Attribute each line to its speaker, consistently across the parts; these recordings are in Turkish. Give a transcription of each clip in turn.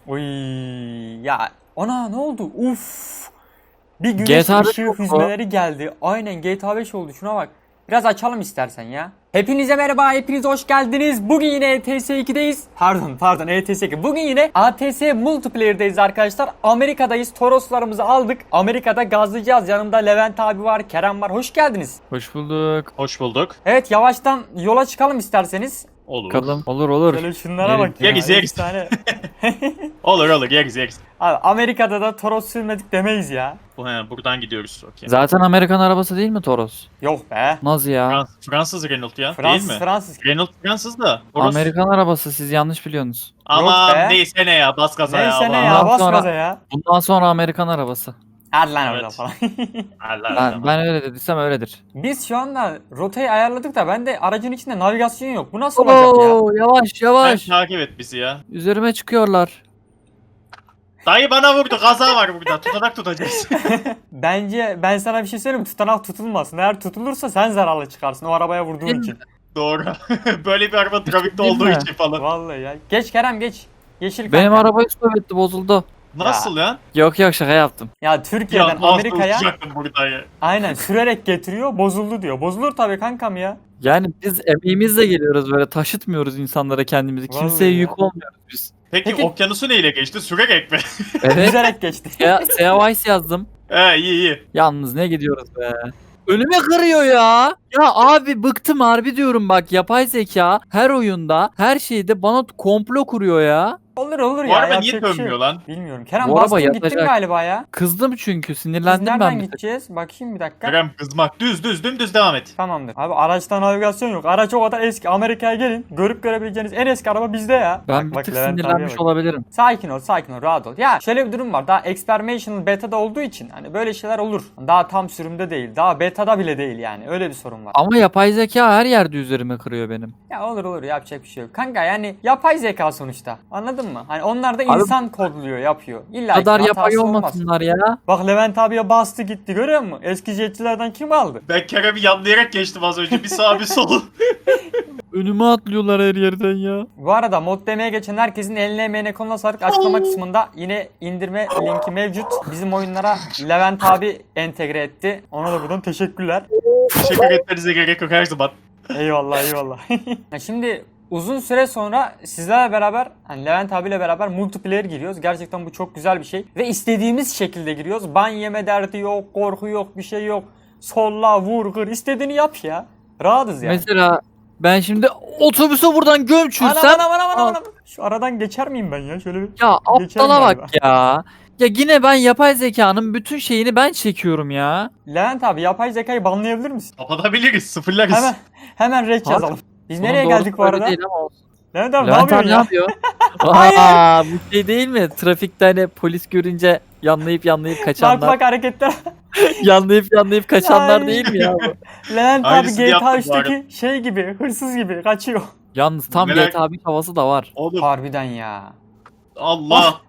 Speaker 1: Oy ya ana ne oldu? Uf. Bir güneş
Speaker 2: GTA
Speaker 1: ışığı
Speaker 2: yok mu?
Speaker 1: hüzmeleri geldi. Aynen GTA 5 oldu şuna bak. Biraz açalım istersen ya. Hepinize merhaba, hepiniz hoş geldiniz. Bugün yine ETS 2'deyiz. Pardon ETS 2. Bugün yine ATS Multiplayer'deyiz arkadaşlar. Amerika'dayız. Toroslarımızı aldık. Amerika'da gazlayacağız. Yanımda Levent abi var, Kerem var. Hoş geldiniz.
Speaker 2: Hoş bulduk.
Speaker 3: Hoş bulduk.
Speaker 1: Evet, yavaştan yola çıkalım isterseniz.
Speaker 3: Olur.
Speaker 2: Bakalım. Olur.
Speaker 1: Şöyle şunlara bak ya.
Speaker 3: Yeriz.
Speaker 1: Efsane.
Speaker 3: Olur yeriz.
Speaker 1: Abi Amerika'da da Toros sürmedik demeyiz ya.
Speaker 3: Buradan gidiyoruz. Okay.
Speaker 2: Zaten Amerikan arabası değil mi Toros?
Speaker 1: Yok be.
Speaker 2: Nasıl ya?
Speaker 3: Fransız Renault ya
Speaker 1: Fransız
Speaker 3: değil mi?
Speaker 1: Fransız.
Speaker 3: Renault Fransız da. Orası...
Speaker 2: Amerikan arabası, siz yanlış biliyorsunuz.
Speaker 3: Ama
Speaker 1: be.
Speaker 3: neyse ne ya, bas gaza ya.
Speaker 1: Neyse ne
Speaker 3: aman.
Speaker 1: ya, bas
Speaker 2: Sonra-
Speaker 1: gaza ya.
Speaker 2: Bundan sonra Amerikan arabası.
Speaker 1: Hadi lan
Speaker 3: Evet.
Speaker 1: oradan falan.
Speaker 3: Allah
Speaker 2: Ben,
Speaker 3: Allah.
Speaker 2: ben öyle dediysem öyledir.
Speaker 1: Biz şu anda rotayı ayarladık da bende aracın içinde navigasyon yok. Bu nasıl olacak ya?
Speaker 2: Oo, yavaş
Speaker 3: Sen
Speaker 2: yavaş.
Speaker 3: takip et bizi ya.
Speaker 2: Üzerime çıkıyorlar.
Speaker 3: Dayı bana vurdu, kaza var burada. Tutanak tutacağız.
Speaker 1: Bence ben sana bir şey söyleyeyim mi? Tutanak tutulmasın. Eğer tutulursa sen zararlı çıkarsın o arabaya vurduğun
Speaker 2: Değil
Speaker 1: için.
Speaker 3: Doğru. Böyle bir araba trafikte
Speaker 2: Değil
Speaker 3: olduğu
Speaker 2: mi?
Speaker 3: için falan.
Speaker 1: Vallahi ya. Geç Kerem geç. Yeşil
Speaker 2: Benim
Speaker 1: kanka.
Speaker 2: arabayı stop etti, bozuldu.
Speaker 3: Nasıl ya?
Speaker 2: Yok şaka yaptım.
Speaker 1: Ya Türkiye'den
Speaker 3: Ya
Speaker 1: Amerika'ya
Speaker 3: Amerika'ya. Burada ya.
Speaker 1: aynen sürerek getiriyor, bozuldu diyor. Bozulur tabii kankam ya.
Speaker 2: Yani biz emeğimizle geliyoruz, böyle taşıtmıyoruz insanlara kendimizi.
Speaker 1: Vallahi
Speaker 2: Kimseye
Speaker 1: ya.
Speaker 2: yük olmuyoruz biz.
Speaker 3: Peki okyanusu neyle geçti? Sürerek mi?
Speaker 2: Evet.
Speaker 1: Yüzerek geçti.
Speaker 2: Seavice yazdım.
Speaker 3: iyi.
Speaker 2: Yalnız ne gidiyoruz be. Önüme kırıyor ya. Ya abi bıktım harbi diyorum, bak yapay zeka her oyunda her şeyde bana komplo kuruyor ya.
Speaker 1: Olur
Speaker 3: Bu
Speaker 1: ya.
Speaker 3: araba
Speaker 1: yapacak
Speaker 3: niye
Speaker 1: bir şey
Speaker 3: dönmüyor
Speaker 1: yok.
Speaker 3: lan?
Speaker 1: Bilmiyorum. Kerem
Speaker 2: Bu araba
Speaker 1: bastın gittin
Speaker 2: yatacak.
Speaker 1: galiba ya.
Speaker 2: Kızdım çünkü,
Speaker 1: Biz
Speaker 2: sinirlendim
Speaker 1: nereden
Speaker 2: ben bir tık.
Speaker 1: gideceğiz? Bakayım bir dakika.
Speaker 3: Kerem kızmak. Dümdüz devam et.
Speaker 1: Tamamdır. Abi araçta navigasyon yok. Araç o kadar eski. Amerika'ya gelin. Görüp görebileceğiniz en eski araba bizde ya.
Speaker 2: Ben
Speaker 1: Bak,
Speaker 2: bir tık
Speaker 1: Levent abiye
Speaker 2: sinirlenmiş
Speaker 1: bak.
Speaker 2: olabilirim.
Speaker 1: Sakin ol, rahat ol. Ya şöyle bir durum var. Daha experimental beta'da olduğu için hani böyle şeyler olur. Daha tam sürümde değil. Daha beta'da bile değil yani. Öyle bir sorun var.
Speaker 2: Ama yapay zeka her yerde üzerime kırıyor benim.
Speaker 1: Ya olur yapacak bir şey yok. Kanka yani yapay zeka sonuçta. Anladın mı? Hani onlar da
Speaker 2: Abi-
Speaker 1: insan kodluyor, yapıyor. İlla
Speaker 2: Bu
Speaker 1: ki
Speaker 2: kadar
Speaker 1: hatası
Speaker 2: yapay
Speaker 1: olmaz.
Speaker 2: olmasınlar ya.
Speaker 1: Bak Levent abiye bastı gitti, görüyor musun? Eski jetçilerden kim aldı?
Speaker 3: Ben Kerem'i yanlayarak geçtim az önce. Bir sağ bir sol.
Speaker 2: Önüme atlıyorlar her yerden ya.
Speaker 1: Bu arada mod demeye geçen herkesin eline emeğine koluna sağlık. Açıklama kısmında yine indirme linki mevcut. Bizim oyunlara Levent abi entegre etti. Ona da buradan teşekkürler.
Speaker 3: Teşekkür etmenize gerek yok her zaman.
Speaker 1: Eyvallah. Ya şimdi uzun süre sonra sizlerle beraber hani Levent abiyle beraber multiplayer giriyoruz. Gerçekten bu çok güzel bir şey. Ve istediğimiz şekilde giriyoruz. Ban yeme derdi yok, korku yok, bir şey yok. Solla, vur, kır, istediğini yap ya. Rahatız yani.
Speaker 2: Mesela ben şimdi otobüse buradan gömçürsem.
Speaker 1: Anam. Şu aradan geçer miyim ben ya? Şöyle bir...
Speaker 2: Ya
Speaker 1: Geçerim
Speaker 2: aptala
Speaker 1: galiba.
Speaker 2: bak ya. Ya yine ben yapay zekanın bütün şeyini ben çekiyorum ya.
Speaker 1: Levent abi yapay zekayı banlayabilir misin?
Speaker 3: Kapatabiliriz, sıfırlarız.
Speaker 1: Hemen red
Speaker 2: Abi,
Speaker 1: yazalım. Biz
Speaker 2: Bunun
Speaker 1: nereye
Speaker 2: doğrusu
Speaker 1: geldik bu
Speaker 2: öyle
Speaker 1: arada?
Speaker 2: değil ama olsun.
Speaker 1: Levent abi ne
Speaker 2: Levent abi
Speaker 1: yapıyorsun
Speaker 2: ne
Speaker 1: ya?
Speaker 2: yapıyor? Aa, bu şey değil mi? Trafikte hani polis görünce yanlayıp
Speaker 1: Bak
Speaker 2: kaçanlar.
Speaker 1: hareketler.
Speaker 2: yanlayıp kaçanlar
Speaker 1: Ay.
Speaker 2: değil mi ya bu?
Speaker 1: Levent abi
Speaker 3: Aynısını
Speaker 1: GTA
Speaker 3: yaptım bu
Speaker 1: 3'teki şey gibi, hırsız gibi kaçıyor.
Speaker 2: Yalnız tam
Speaker 3: Merak-
Speaker 2: GTA 5 havası da var.
Speaker 3: Oğlum
Speaker 1: Harbiden ya.
Speaker 3: Allah.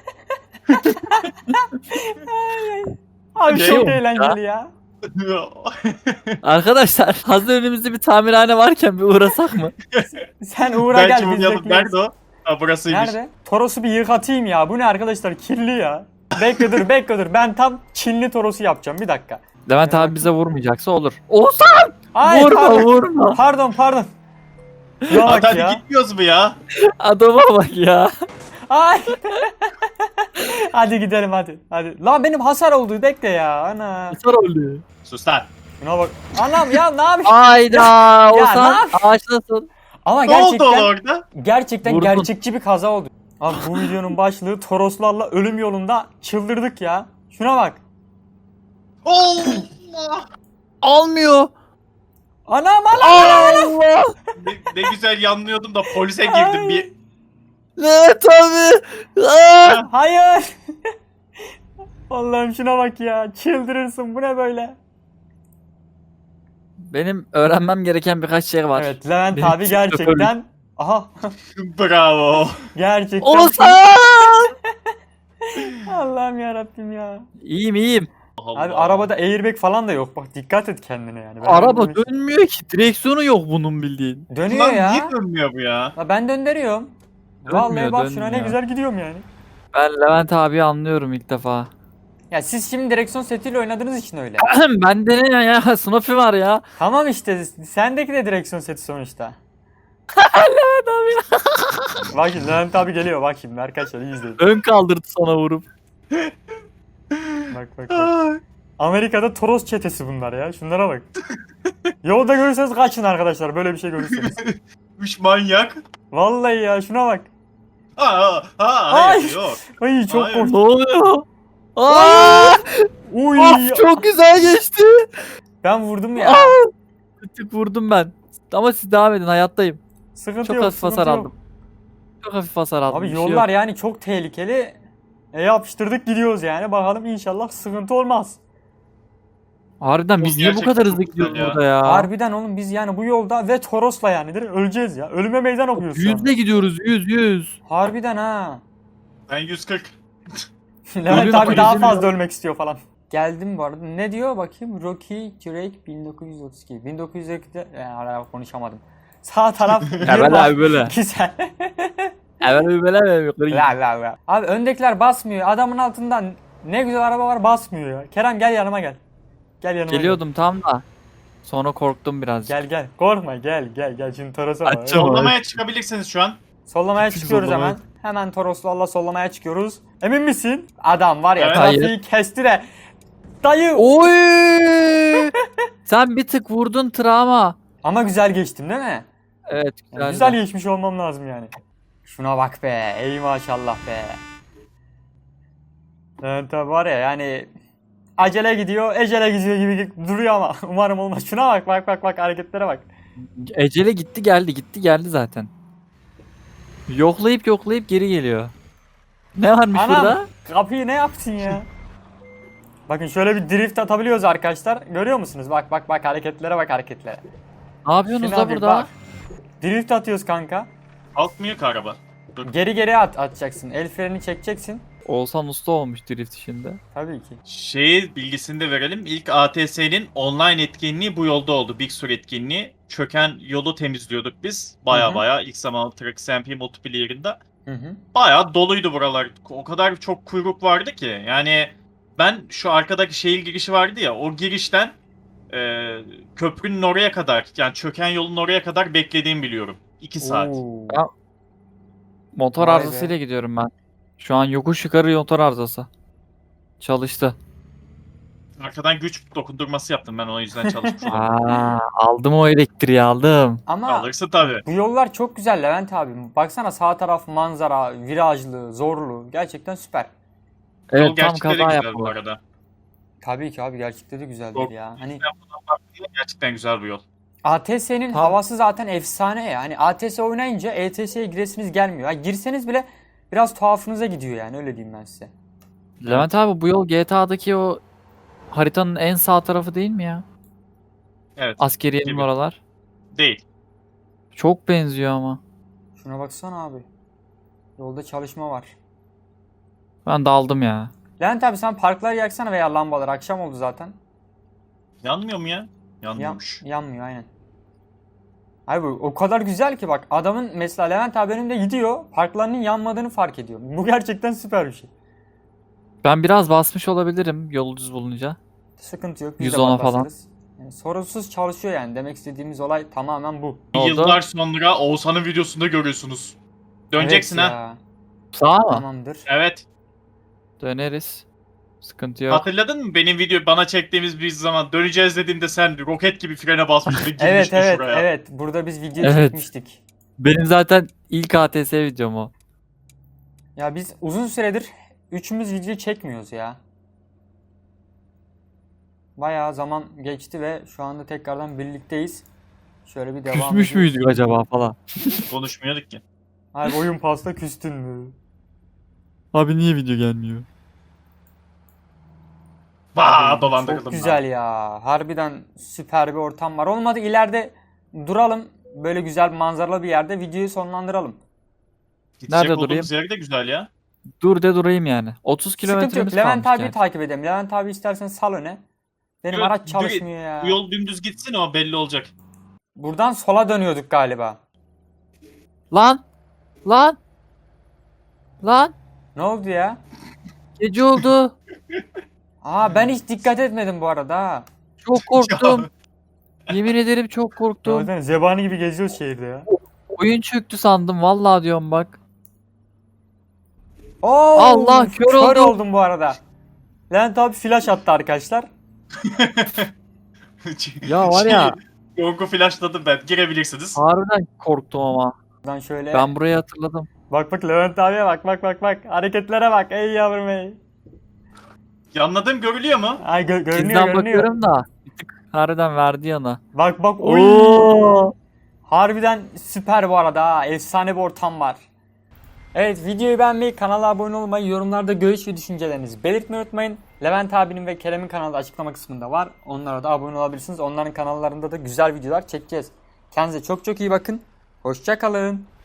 Speaker 1: Abi
Speaker 3: Ne
Speaker 1: çok
Speaker 2: olmuş
Speaker 1: eğlenceli ya.
Speaker 2: Arkadaşlar hazır önümüzde bir tamirhane varken bir uğrasak mı?
Speaker 1: Sen uğra
Speaker 3: Belki
Speaker 1: gel biz
Speaker 3: uğrayalım.
Speaker 1: bekliyoruz.
Speaker 3: Nerede o? Ha burasıymış.
Speaker 1: Nerede? Toros'u bir yıkatayım ya. Bu ne arkadaşlar? Kirli ya. Bekle dur. Ben tam Çinli Toros'u yapacağım. Bir dakika.
Speaker 2: Levent abi bize vurmayacaksa olur. Olsan!
Speaker 1: Ay,
Speaker 2: Vurma.
Speaker 1: Pardon. Ya bak
Speaker 3: Hadi
Speaker 1: ya.
Speaker 3: gitmiyoruz mu ya?
Speaker 2: Adama bak ya.
Speaker 1: Ay. Hadi gidelim hadi. Lan benim hasar oldu bekle ya. Ana.
Speaker 2: Sar oluyor.
Speaker 3: Sus lan.
Speaker 1: Buna bak. Anam ya ne yapıyorsun?
Speaker 2: Ayda
Speaker 1: ne
Speaker 2: Olsan
Speaker 1: yap-
Speaker 2: ağaçlasın.
Speaker 1: Ama
Speaker 3: Ne oldu oğlum orada?
Speaker 1: gerçekten
Speaker 2: Vurdun.
Speaker 1: gerçekçi bir kaza oldu. Abi bu videonun başlığı Toroslarla ölüm yolunda çıldırdık ya. Şuna bak.
Speaker 3: Allah.
Speaker 2: Almıyor.
Speaker 1: Anam.
Speaker 2: Allah.
Speaker 3: Ne güzel yanlıyordum da polise girdim bir.
Speaker 2: Levent abi. Aa!
Speaker 1: Hayır. Allah'ım şuna bak ya. Çıldırırsın. Bu ne böyle?
Speaker 2: Benim öğrenmem gereken birkaç şey var.
Speaker 1: Evet Levent
Speaker 2: Benim
Speaker 1: abi
Speaker 2: şoförlük.
Speaker 1: gerçekten. Aha.
Speaker 3: Bravo.
Speaker 1: Gerçekten.
Speaker 2: Olsan!
Speaker 1: Allah'ım yarabbim ya.
Speaker 2: İyiyim.
Speaker 1: Abi arabada airbag falan da yok. Bak dikkat et kendine yani. Ben
Speaker 2: Araba
Speaker 1: öyle bir-
Speaker 2: dönmüyor ki. Direksiyonu yok bunun bildiğin.
Speaker 1: Dönüyor
Speaker 3: Lan
Speaker 1: ya.
Speaker 3: niye dönmüyor bu ya?
Speaker 1: Ben döndürüyorum. Vallahi bak şuna ne
Speaker 2: dönmüyor.
Speaker 1: güzel gidiyorum yani.
Speaker 2: Ben Levent abi anlıyorum ilk defa.
Speaker 1: Ya siz şimdi direksiyon setiyle oynadığınız için öyle.
Speaker 2: Bende ne ya? Snoopy var ya.
Speaker 1: Tamam işte sendeki de direksiyon seti sonuçta.
Speaker 2: Levent abi.
Speaker 1: Bak şimdi Levent abi geliyor bak şimdi arkadaşlar iyi izleyin.
Speaker 2: Ön kaldırdı sana vurup.
Speaker 1: Bak. Amerika'da Toros çetesi bunlar ya. Şunlara bak. Yolda görürseniz kaçın arkadaşlar böyle bir şey görürseniz.
Speaker 3: Üç manyak.
Speaker 1: Vallahi ya şuna bak.
Speaker 3: Hayır
Speaker 1: Ay!
Speaker 3: yok.
Speaker 1: Ay çok
Speaker 3: Hayır.
Speaker 2: Ne
Speaker 1: korktum.
Speaker 2: oluyor? Aa!
Speaker 1: Uy.
Speaker 2: Of, çok güzel geçti.
Speaker 1: Ben vurdum ya.
Speaker 2: Bir tık vurdum ben. Ama siz devam edin, hayattayım.
Speaker 1: Sıkıntı
Speaker 2: Çok
Speaker 1: yok.
Speaker 2: hafif hasar
Speaker 1: sıkıntı yok.
Speaker 2: aldım. Çok hafif hasar aldım.
Speaker 1: Abi
Speaker 2: bir şey
Speaker 1: yollar
Speaker 2: yok.
Speaker 1: yani çok tehlikeli. Yapıştırdık gidiyoruz yani. Bakalım inşallah sıkıntı olmaz.
Speaker 2: Harbiden biz
Speaker 3: Bu
Speaker 2: niye bu
Speaker 3: gerçekten
Speaker 2: kadar
Speaker 3: çok
Speaker 2: hızlı
Speaker 3: güzel
Speaker 2: gidiyoruz
Speaker 3: ya.
Speaker 2: burada ya?
Speaker 1: Harbiden oğlum biz yani bu yolda ve Toros'la yani direkt öleceğiz ya. Ölüme meydan okuyoruz şu anda.
Speaker 2: Yüzle gidiyoruz, 100.
Speaker 1: Harbiden ha.
Speaker 3: Ben 140.
Speaker 1: Levent
Speaker 2: Ölüyorum,
Speaker 1: abi daha
Speaker 2: yüzüm
Speaker 1: fazla
Speaker 2: yok.
Speaker 1: ölmek istiyor falan. Geldim bu arada. Ne diyor bakayım? Rocky Drake 1932. 1932'de hala konuşamadım. Sağ taraf
Speaker 2: Evet abi böyle.
Speaker 1: Güzel.
Speaker 2: Evet abi böyle.
Speaker 1: La. Abi öndekiler basmıyor. Adamın altından ne güzel araba var basmıyor ya. Kerem gel yanıma gel. Gel yanıma.
Speaker 2: Geliyordum tam da. Sonra korktum birazcık.
Speaker 1: Gel. Korkma gel. Şimdi Toros'a bak.
Speaker 2: Açacağım.
Speaker 3: Sollamaya çıkabilirsiniz şu an.
Speaker 1: Sollamaya
Speaker 2: Küçük
Speaker 1: çıkıyoruz
Speaker 2: sollamaya.
Speaker 1: hemen. Hemen Toros'la sollamaya çıkıyoruz. Emin misin? Adam var ya
Speaker 3: Evet.
Speaker 1: trafiği kesti de. Dayı.
Speaker 2: Oy! Sen bir tık vurdun travma.
Speaker 1: Ama güzel geçtim değil mi?
Speaker 2: Evet
Speaker 1: Yani
Speaker 2: güzel.
Speaker 1: güzel geçmiş olmam lazım yani. Şuna bak be. Ey maşallah be. Evet tabi var ya yani acele gidiyor, ecele gidiyor gibi duruyor ama umarım olmaz. Şuna bak hareketlere bak.
Speaker 2: Ecele gitti geldi zaten. Yoklayıp geri geliyor. Ne varmış
Speaker 1: Anam
Speaker 2: burada?
Speaker 1: kapıyı ne yaptın ya? Bakın şöyle bir drift atabiliyoruz arkadaşlar. Görüyor musunuz? Bak hareketlere bak hareketlere.
Speaker 2: Ne yapıyorsunuz
Speaker 1: Şuna
Speaker 2: da
Speaker 1: bir
Speaker 2: burada?
Speaker 1: bak. Drift atıyoruz kanka.
Speaker 3: Kalkmıyor ki araba.
Speaker 1: Geri atacaksın. El freni çekeceksin.
Speaker 2: Oğuzhan usta olmuş drift işinde.
Speaker 1: Tabii ki.
Speaker 3: Şeyi bilgisini de verelim. İlk ATS'nin online etkinliği bu yolda oldu. Big Sur etkinliği. Çöken yolu temizliyorduk biz.
Speaker 1: Hı hı.
Speaker 3: Baya ilk zaman Truck SMP multiplayer'ında.
Speaker 1: Hı.
Speaker 3: Baya doluydu buralar. O kadar çok kuyruk vardı ki. Yani ben şu arkadaki şehir girişi vardı ya. O girişten köprünün oraya kadar yani çöken yolun oraya kadar beklediğimi biliyorum. 2 saat.
Speaker 1: Oo.
Speaker 2: Ya- Motor
Speaker 1: Vay
Speaker 2: arızasıyla
Speaker 1: be.
Speaker 2: gidiyorum ben. Şu an yokuş yukarı motor arızası. Çalıştı.
Speaker 3: Arkadan güç dokundurması yaptım ben o yüzden çalışmış oldum.
Speaker 2: Aldım o elektriği aldım.
Speaker 1: Ama
Speaker 3: Alırsın tabii.
Speaker 1: bu yollar çok güzel Levent abi. Baksana sağ taraf manzara, virajlı, zorlu. Gerçekten süper.
Speaker 2: Evet
Speaker 3: Yol
Speaker 2: tam
Speaker 3: gerçekten de
Speaker 2: kaza
Speaker 3: güzel bu
Speaker 2: yaptılar.
Speaker 3: arada.
Speaker 1: Tabii ki abi gerçekten de güzeldir
Speaker 3: Çok
Speaker 1: ya. Hani
Speaker 3: Gerçekten güzel bu yol.
Speaker 1: ATS'nin
Speaker 2: Tam-
Speaker 1: havası zaten efsane ya. Hani ATS oynayınca ETS'ye giresiniz gelmiyor. Yani girseniz bile biraz tuhafınıza gidiyor yani öyle diyeyim ben size.
Speaker 2: Levent abi bu yol GTA'daki o haritanın en sağ tarafı değil mi ya?
Speaker 3: Evet.
Speaker 2: Askeriyenin
Speaker 3: Gibi.
Speaker 2: oralar.
Speaker 3: Değil.
Speaker 2: Çok benziyor ama.
Speaker 1: Şuna baksana abi. Yolda çalışma var.
Speaker 2: Ben daldım ya.
Speaker 1: Levent abi sen parkları yaksana veya lambalar. Akşam oldu zaten.
Speaker 3: Yanmıyor mu ya? Yanmıyormuş.
Speaker 1: Yanmıyor aynen. Abi bu o kadar güzel ki bak adamın mesela Levent abi önümde gidiyor parklarının yanmadığını fark ediyor. Bu gerçekten süper bir şey.
Speaker 2: Ben biraz basmış olabilirim yolu düz bulunca.
Speaker 1: Sıkıntı yok. Biz de
Speaker 2: 110'a falan.
Speaker 1: basarız. Yani sorunsuz çalışıyor yani. Demek istediğimiz olay tamamen bu.
Speaker 2: Ne oldu?
Speaker 3: Yıllar sonra Oğuzhan'ın videosunda görüyorsunuz. Döneceksin
Speaker 1: Evet
Speaker 3: ha.
Speaker 1: ya.
Speaker 2: Sağ mı?
Speaker 1: Tamamdır.
Speaker 3: Evet.
Speaker 2: Döneriz. Sıkıntı yok.
Speaker 3: Hatırladın mı benim video bana çektiğimiz bir zaman döneceğiz dediğimde sen roket gibi frene basmıştın
Speaker 1: Evet
Speaker 3: girmiştin şuraya.
Speaker 1: evet. Burada biz video
Speaker 2: Evet.
Speaker 1: çekmiştik.
Speaker 2: Benim zaten ilk ATS videom o.
Speaker 1: Ya biz uzun süredir üçümüz video çekmiyoruz ya. Bayağı zaman geçti ve şu anda tekrardan birlikteyiz. Şöyle bir devam
Speaker 2: Küsmüş
Speaker 1: ediyoruz.
Speaker 2: müydük acaba falan.
Speaker 3: Konuşmuyorduk ki.
Speaker 1: Abi oyun pasta küstün mü?
Speaker 2: Abi niye video gelmiyor?
Speaker 3: Vaa dolandırıldım.
Speaker 1: Çok güzel ya. Harbiden süper bir ortam var. Olmadı ileride duralım. Böyle güzel manzaralı bir yerde videoyu sonlandıralım.
Speaker 3: Gidecek
Speaker 2: Nerede
Speaker 3: olduğumuz
Speaker 2: durayım?
Speaker 3: yer de güzel ya.
Speaker 2: Dur de durayım yani. 30
Speaker 1: Sıkıntı yok.
Speaker 2: kilometremiz
Speaker 1: Levent
Speaker 2: kalmış
Speaker 1: abiyi
Speaker 2: yani.
Speaker 1: takip edelim. Levent abi istersen sal öne. Benim
Speaker 3: Yok,
Speaker 1: araç çalışmıyor ya.
Speaker 3: Bu yol dümdüz gitsin o belli olacak.
Speaker 1: Buradan sola dönüyorduk galiba.
Speaker 2: Lan! Lan! Lan!
Speaker 1: Ne oldu ya?
Speaker 2: Gece oldu.
Speaker 1: Aa ben hiç dikkat etmedim bu arada ha.
Speaker 2: Çok korktum. Yemin ederim çok korktum.
Speaker 1: Zaten zebani gibi geziyoruz şehirde ya.
Speaker 2: Oyun çöktü sandım. Vallahi diyorum bak.
Speaker 1: Oo,
Speaker 2: Allah, kör oldum.
Speaker 1: oldum bu arada. Levent abi flash attı arkadaşlar.
Speaker 2: Ya var ya.
Speaker 3: Korku flashladım ben. Girebilirsiniz.
Speaker 2: Harbiden korktum ama.
Speaker 1: Buradan şöyle.
Speaker 2: Ben burayı hatırladım.
Speaker 1: Bak bak Levent abiye bak. Hareketlere bak. Ey yavrum ey.
Speaker 3: Yanladığım görülüyor mu?
Speaker 1: Ay görünüyor
Speaker 2: Sizden
Speaker 1: görünüyor.
Speaker 2: bakıyorum da. Bir tık harbiden verdi yana.
Speaker 1: Bak oy.
Speaker 2: Oo.
Speaker 1: Harbiden süper bu arada ha. Efsane bir ortam var. Evet videoyu beğenmeyi, kanala abone olmayı, yorumlarda görüş ve düşüncelerinizi belirtmeyi unutmayın. Levent abinin ve Kerem'in kanalı açıklama kısmında var. Onlara da abone olabilirsiniz. Onların kanallarında da güzel videolar çekeceğiz. Kendinize çok iyi bakın. Hoşça kalın.